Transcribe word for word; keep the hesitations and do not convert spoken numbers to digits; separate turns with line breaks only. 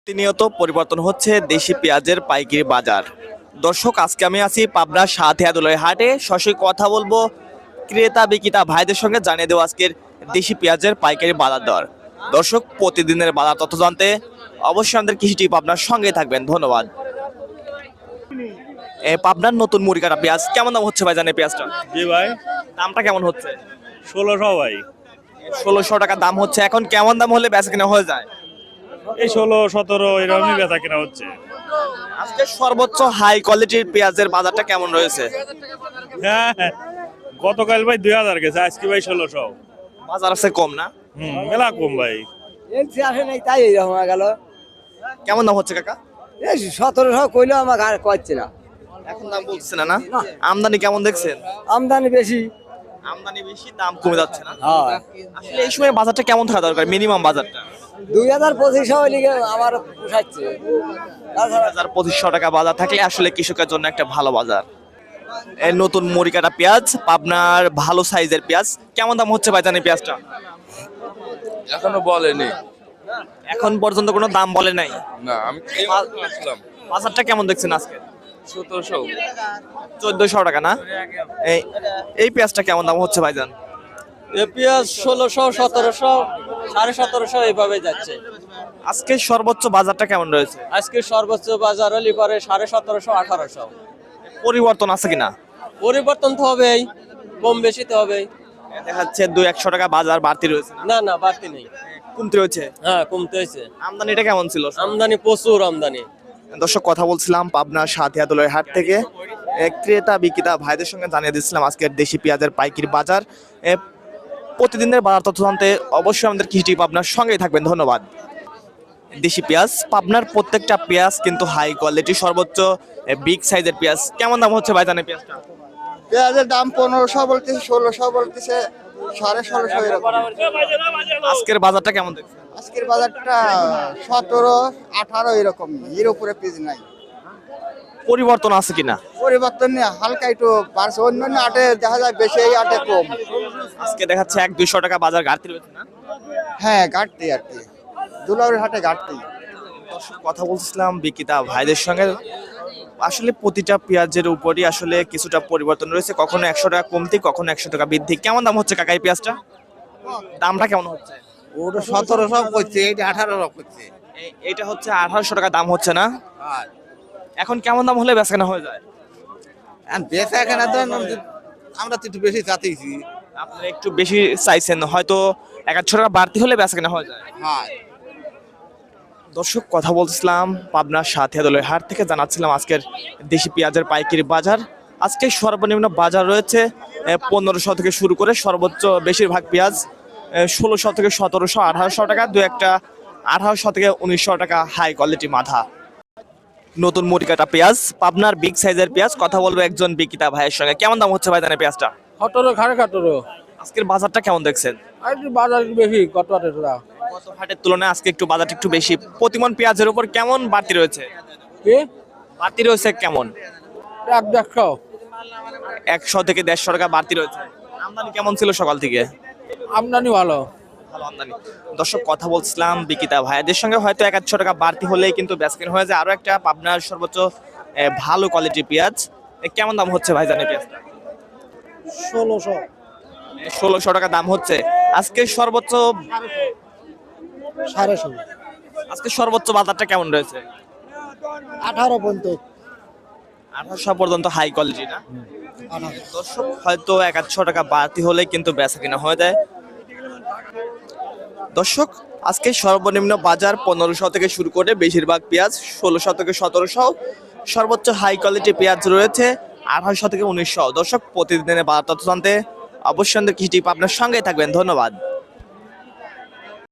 প্রতিনিয়ত পরিবর্তন হচ্ছে দেশি পেঁয়াজের পাইকারি বাজার। দর্শক, আজকে আমি আছি পাবনার সাথিয়াদুলের হাটে। সরাসরি কথা বলবো ক্রেতা বিক্রেতা ভাইদের সঙ্গে, জানিয়ে দেবো আজকের দেশি পেঁয়াজের পাইকারি বাজার দর। দর্শক, প্রতিদিনের বাজার তথ্য জানতে অবশ্যই আমাদের কৃষি টিপ আপনার সঙ্গে থাকবেন। ধন্যবাদ। এ পাবনার নতুন মুড়ি কাটা পেঁয়াজ কেমন দাম হচ্ছে ভাই জানেন পেঁয়াজটা?
জি ভাই,
দামটা কেমন হচ্ছে?
ষোলোশো ভাই।
ষোলোশো টাকা দাম হচ্ছে। এখন কেমন দাম হলে বেচা কিনা হয়ে যায়?
এই ষোলো সতেরো এরকমই বেচা কেনা হচ্ছে।
আজকে সর্বোচ্চ হাই কোয়ালিটির পেঁয়াজের বাজারটা কেমন রয়েছে?
হ্যাঁ হ্যাঁ। গতকাল ভাই দুই হাজার গেছে, আজকে ভাই ষোলোশো।
বাজার আছে কম না?
হম মেলা কম ভাই।
আসে নাই তাই এইরকম হয়ে গেল।
কেমন দাম হচ্ছে কাকা?
এই সতেরোশো কইলেও আমাকে আর কচ্ছে না।
এখন দাম বলছে না না? আমদানি কেমন দেখছেন?
আমদানি বেশি।
আমদানি বেশি, দাম কমে যাচ্ছে না?
হ্যাঁ,
আসলে এই সময় বাজারটা কেমন থাকা দরকার, মিনিমাম বাজারটা?
দুই হাজার পঁচিশশো লিগে আমার পোষাচ্ছে।
দুই হাজার পঁচিশশো টাকা বাজার থাকলে আসলে কৃষকের জন্য একটা ভালো বাজার। এই নতুন মুড়ি কাটা পেঁয়াজ, পাবনার ভালো সাইজের পেঁয়াজ কেমন দাম হচ্ছে ভাই জানেন পেঁয়াজটা?
এখনো বলেনি।
এখন পর্যন্ত কোনো দাম বলে নাই।
না, আমি এইমাত্র আসলাম।
বাজারটা কেমন দেখছেন আজকে?
সতেরোশো।
চোদ্দশো টাকা না? এই এই পেঁয়াজটা কেমন দাম হচ্ছে ভাইজান?
এ পেঁয়াজ ষোলোশো সতেরোশো সাড়ে সতেরোশো এইভাবে যাচ্ছে।
আজকে সর্বোচ্চ বাজারটা কেমন রয়েছে?
আজকে সর্বোচ্চ বাজার হলি পরে সাড়ে সতেরোশো আঠারোশো।
পরিবর্তন আছে কিনা?
পরিবর্তন তো হবেই, কম বেশি তো হবেই।
দেখা যাচ্ছে দুই একশো টাকা বাজার বাড়তি রয়েছে,
না না বাড়তি নেই,
কমতে রয়েছে।
হ্যাঁ কমতে হয়েছে।
আমদানিটা কেমন ছিল?
আমদানি প্রচুর আমদানি।
দর্শক, কথা বলছিলাম পাবনার সাথিয়াদুলের হাট থেকে। এ, ক্রেতা বিক্রেতা ভাইদের সঙ্গে জানিয়ে দিচ্ছিলাম আজকের দেশি পেঁয়াজের পাইকারি বাজার। এ, প্রতিদিনের বাজার তথ্য জানতে অবশ্যই আমাদের কৃষি পাবনার সঙ্গেই থাকবেন। ধন্যবাদ। দেশি পেঁয়াজ, পাবনার প্রত্যেকটা পেঁয়াজ কিন্তু হাই কোয়ালিটি, সর্বোচ্চ বিগ সাইজের পেঁয়াজ। কেমন দাম হচ্ছে ভাই জানেন পেঁয়াজটা?
পেঁয়াজের দাম পনেরোশো বলতেছে, ষোলোশো বলতেছে, সাড়ে ষোলোশো এরকম।
আজকের বাজারটা কেমন দেখছেন?
আজকের বাজারটা সতেরো আঠারো এরকম, এর উপরে পেঁয়াজ নাই।
পরিবর্তন আছে কিনা?
পরিবর্তন নেই, হালকা একটু বাড়ছে। অন্য অন্য আটে দেখা যায় বেশি, এই আটে কম।
আজকে দেখাচ্ছে এক দুইশো টাকা বাজার ঘাটতি রয়েছে না?
হ্যাঁ, ঘাটতি আর কি, দুলাউরের হাটে ঘাটতি।
দর্শক, কথা বলছিলাম বিক্রেতা ভাইদের সঙ্গে। আসলে প্রতিটা পেঁয়াজের উপরই আসলে কিছুটা পরিবর্তন রয়েছে, কখনো একশো টাকা কমতি, কখনো একশো টাকা বৃদ্ধি। কেমন দাম হচ্ছে কাকা এই পেঁয়াজটা? দামটা কেমন হচ্ছে?
ওটা সতেরোশো করছে, এইটা আঠারোশো করছে।
এই- এইটা হচ্ছে আঠারোশো টাকা দাম হচ্ছে না? এখন কেমন দাম হলে বেচাকেনা হয়ে যায়?
বেচা কেনা তো আমরা তো একটু বেশি চাচ্ছি।
আপনারা একটু বেশি চাইছেন, হয়তো এক আধশো টাকা বাড়তি হলে বেচাকেনা হয়ে যায়।
হ্যাঁ,
দর্শক, কথা বলছিলাম পাবনার সাথিয়াদুলের হাট থেকে, জানাচ্ছিলাম আজকের দেশি পেঁয়াজের পাইকারি বাজার। আজকে সর্বনিম্ন বাজার রয়েছে পনেরোশো থেকে শুরু করে সর্বোচ্চ বেশিরভাগ পেঁয়াজ ষোলোশো থেকে সতেরোশো আঠারোশো টাকা, দু একটা আঠারোশো থেকে উনিশশো টাকা হাই কোয়ালিটি মাথা। নতুন মুড়ি কাটা পেঁয়াজ, পাবনার বিগ সাইজের পেঁয়াজ। কথা বলবো একজন বিক্রেতা ভাইয়ের সঙ্গে। কেমন দাম হচ্ছে ভাই জানেন পেঁয়াজটা?
সতেরো সাড়ে সতেরো।
আজকের বাজারটা কেমন দেখছেন?
আর একটু বাজার বেশি কত টাকা।
গত হাটের তুলনায় আজকে একটু বাজারটা একটু বেশি। প্রতিমন পেঁয়াজের উপর কেমন বাড়তি রয়েছে?
কি
বাড়তি রয়েছে কেমন?
এক দেড়শো।
একশো থেকে দেড়শো টাকা বাড়তি রয়েছে। আমদানি কেমন ছিল সকাল থেকে?
আমদানি ভালো।
ভালো আমদানি। দর্শক, কথা বলছিলাম বিক্রেতা ভাইদের সঙ্গে, হয়তো এক আধশো টাকা বাড়তি হলেই কিন্তু বেচকেন হয়ে যায়। আরো একটা পাবনার সর্বোচ্চ এ, ভালো কোয়ালিটির পেঁয়াজ। এ, কেমন দাম হচ্ছে ভাই জানেন পেঁয়াজটা?
ষোলোশো।
ষোলোশো টাকা দাম হচ্ছে। আজকে সর্বোচ্চ
সাড়ে ষোলো।
আজকে সর্বোচ্চ বাজারটা কেমন রয়েছে?
আঠারো পর্যন্ত।
আঠারোশো পর্যন্ত হাই কোয়ালিটি না? দর্শক, হয়তো এক আধশো টাকা বাড়তি হলে কিন্তু বেচা কিনা হয়ে যায়। দর্শক, আজকে সর্বনিম্ন বাজার পনেরোশো থেকে শুরু করে বেশিরভাগ পেঁয়াজ ষোলোশো থেকে সতেরোশো, সর্বোচ্চ হাই কোয়ালিটি পেঁয়াজ রয়েছে আঠারোশো থেকে উনিশশো। দর্শক, প্রতিদিনের বাজার তথ্য জানতে অবশ্যই আমাদের কৃষি টিপ আপনার সঙ্গে থাকবেন। ধন্যবাদ।